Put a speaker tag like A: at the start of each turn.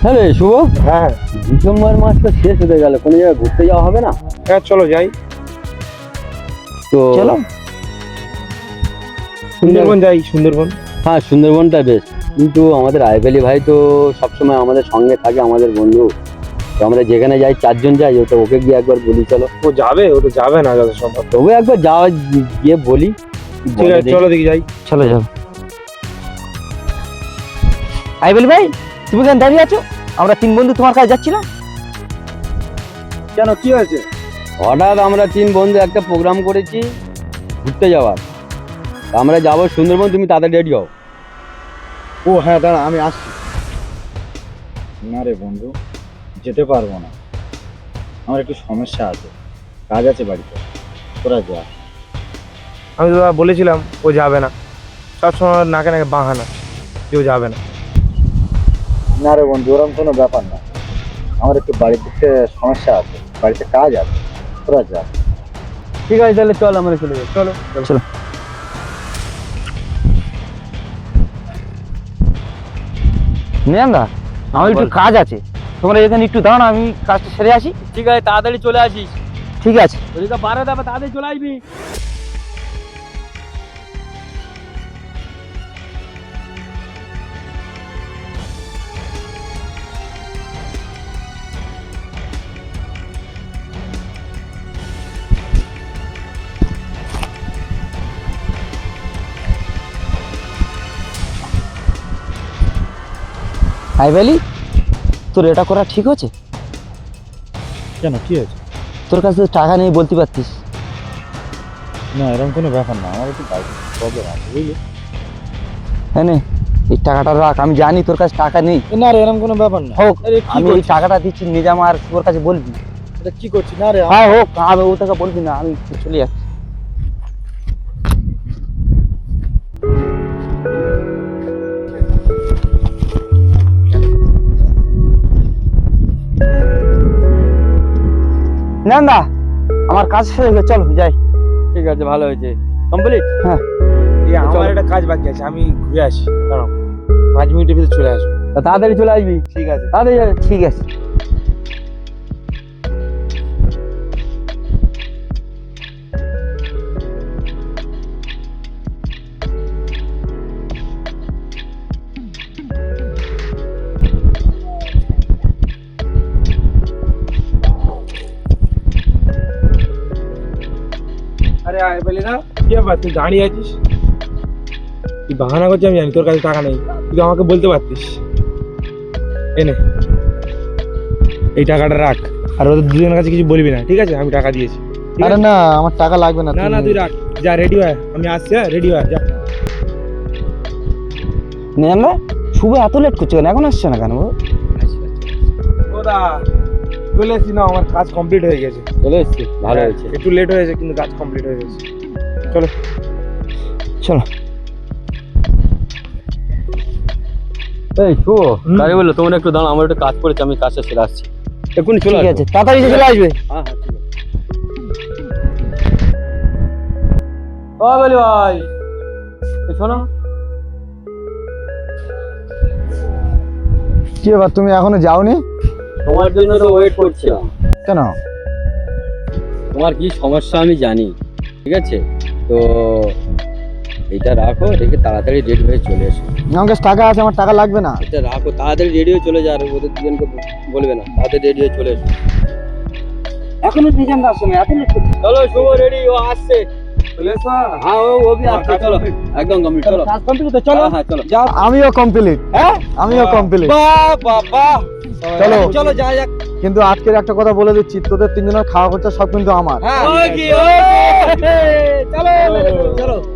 A: হ্যাঁ রে শুভ,
B: হ্যাঁ
A: ডিসেম্বর মাস তো শেষ হতে গেল, কোনো জায়গায় ঘুরতে যাওয়া হবে না?
B: হ্যাঁ চলো যাই।
A: তো
C: চলো
B: সুন্দরবন যাই, সুন্দরবন।
A: হ্যাঁ সুন্দরবনটা বেশ, কিন্তু আমাদের আইবেলি ভাই তো সবসময় আমাদের সঙ্গে থাকে, আমাদের বন্ধু। তো আমরা যেখানে যাই চারজন যাই, ওকে গিয়ে একবার বলি চলো।
B: ও যাবে? ও তো যাবে না যত সম্ভব।
A: তবু একবার যাওয়া গিয়ে বলি।
B: ঠিক আছে চলো দেখি যাই।
C: চলো চলো। আইবেল ভাই, তুমি কেন দাঁড়িয়ে আছো? আমরা তিন বন্ধু তোমার কাছে যাচ্ছিলাম।
B: কেন, কি হয়েছে?
A: হঠাৎ আমরা তিন বন্ধু একটা প্রোগ্রাম করেছি ঘুরতে যাওয়ার। আমরা যাবো সুন্দরবন, তুমি তাড়াতাড়ি রেডি হও।
D: ও হ্যাঁ দাঁড়া, আমি আসছি। না রে বন্ধু, যেতে পারবো না, আমার একটু সমস্যা আছে, কাজ আছে বাড়িতে, তোরা যা।
B: আমি তো বলেছিলাম ও যাবে না, সবসময় নাকে নাকে বাহানা কেউ যাবে না।
D: না রে বন্ধু, ওরকম কোনো ব্যাপার না, আমার একটু বাড়িতে সমস্যা আছে, বাড়িতে কাজ আছে, তোরা যা।
A: ঠিক আছে তাহলে চল, আমরা চলে যাই। চলো
C: চলো। নিয়ান্দা, আমার একটু কাজ আছে, তোমরা এখানে একটু দাঁড়ানো, আমি কাজটা সেরে আসি।
A: ঠিক আছে, তাড়াতাড়ি চলে আসিস।
C: ঠিক আছে।
A: যদি তো 12 দেবে তাড়াতাড়ি চলে আসবি।
C: আইবেলি, তোর এটা করা ঠিক হচ্ছে?
D: কেন, কি হয়েছে?
C: তোর কাছে তো টাকা নেই বলতে পারতিস।
D: না এরকম কোনো ব্যাপার না, আমার একটু বাড়িতে প্রবলেম আছে বুঝলি।
C: হ্যাঁ নে, এই টাকাটা রাখ, আমি জানি তোর কাছে টাকা নেই।
D: না রে এরকম কোনো ব্যাপার না।
C: হোক,
D: আরে কি
C: আমি এই
D: করছিস?
C: টাকাটা দিচ্ছি, নিজাম আর তোর কাছে বলবি।
D: এটা কি করছিস? না রে
C: হ্যাঁ হোক, আমি ও টাকা বলবি না, আমি চলে যাচ্ছি। না আমার কাজ শেষ হয়ে গেছে, চলো যাই।
A: ঠিক আছে, ভালো হয়েছে, কমপ্লিট।
C: হ্যাঁ
B: আমার একটা কাজ বাকি আছে, আমি ঘুরে আসি, দাঁড়াও 5 মিনিটের ভিতরে চলে আসবো।
A: তাড়াতাড়ি চলে আসবি।
B: ঠিক আছে।
A: তাড়াতাড়ি যাবে।
C: ঠিক আছে।
B: আরে আয় বলি না, কি ব্যাপার, তুই দাঁড়িয়ে আছিস? তুই বাহানা করছিস, আমি জানি তোর কাছে টাকা নেই, তুই আমাকে বলতে পারতিস। এনে এই টাকাটা রাখ, আর ওদের দুজনের কাছে কিছু বলবি না, ঠিক আছে? আমি টাকা দিয়েছি। ঠিক
D: আরে
B: আছে?
D: না, আমার টাকা লাগবে না।
B: না না তুই রাখ, যা রেডি হয়, আমি আসছি। হ্যাঁ রেডি হয় যা।
C: নিজাম ভাই, শুভ এত লেট করছে কেন? এখন আসছে না কেন?
B: ওদা চলে এসছি না, আমার কাজ কমপ্লিট হয়ে গেছে।
A: চলে এসছি, ভালো হয়েছে।
B: একটু লেট হয়েছে কিন্তু কাজ কমপ্লিট হয়ে গেছে। চলো
C: চলো।
A: এই শুভ, তাই বললো তোমরা একটু দাঁড়াও, আমার একটু কাজ করেছে, আমি কাজটা সেরে আসছি, এক্ষুনি চলে
C: ঠিক
A: আসবো।
C: আছে, তাড়াতাড়ি চলে আসবে।
A: হ্যাঁ হ্যাঁ ঠিক আছে। ও বলি ভাই, এই শোনো।
D: কি ব্যাপার, তুমি এখনো যাওনি?
A: তোমার জন্য তো ওয়েট করছিলাম।
D: কেন?
A: তোমার কি সমস্যা আমি জানি, ঠিক আছে? তো এটা রাখো, রেখে তাড়াতাড়ি রেডি হয়ে চলে এসো।
D: আমার কাছে টাকা আছে, আমার টাকা লাগবে না।
A: এটা রাখো, তাড়াতাড়ি রেডি হয়ে চলে যা, আর ওদের দুজনকে বলবে না, তাড়াতাড়ি রেডি হয়ে চলে এসো।
C: এখনো নিজাম দার সময় এত লেট করছে।
A: চলো শুভ, রেডি, ও আসছে।
B: চলে এসো।
A: হ্যাঁ ও भी আসছে, চলো একদম কমপ্লিট। চলো
C: কাজ কমপ্লিট তো চলো।
A: হ্যাঁ হ্যাঁ চলো।
D: আমিও কমপ্লিট।
C: হ্যাঁ
D: আমিও কমপ্লিট।
C: বাহ বাহ বাহ,
D: চলো।
C: চলো যা যাক।
D: কিন্তু আজকের একটা কথা বলে দিচ্ছি, তোদের তিনজনের খাওয়া খরচা সব কিন্তু আমার।
C: হ্যাঁ
A: ওকে,
C: চলো চলো।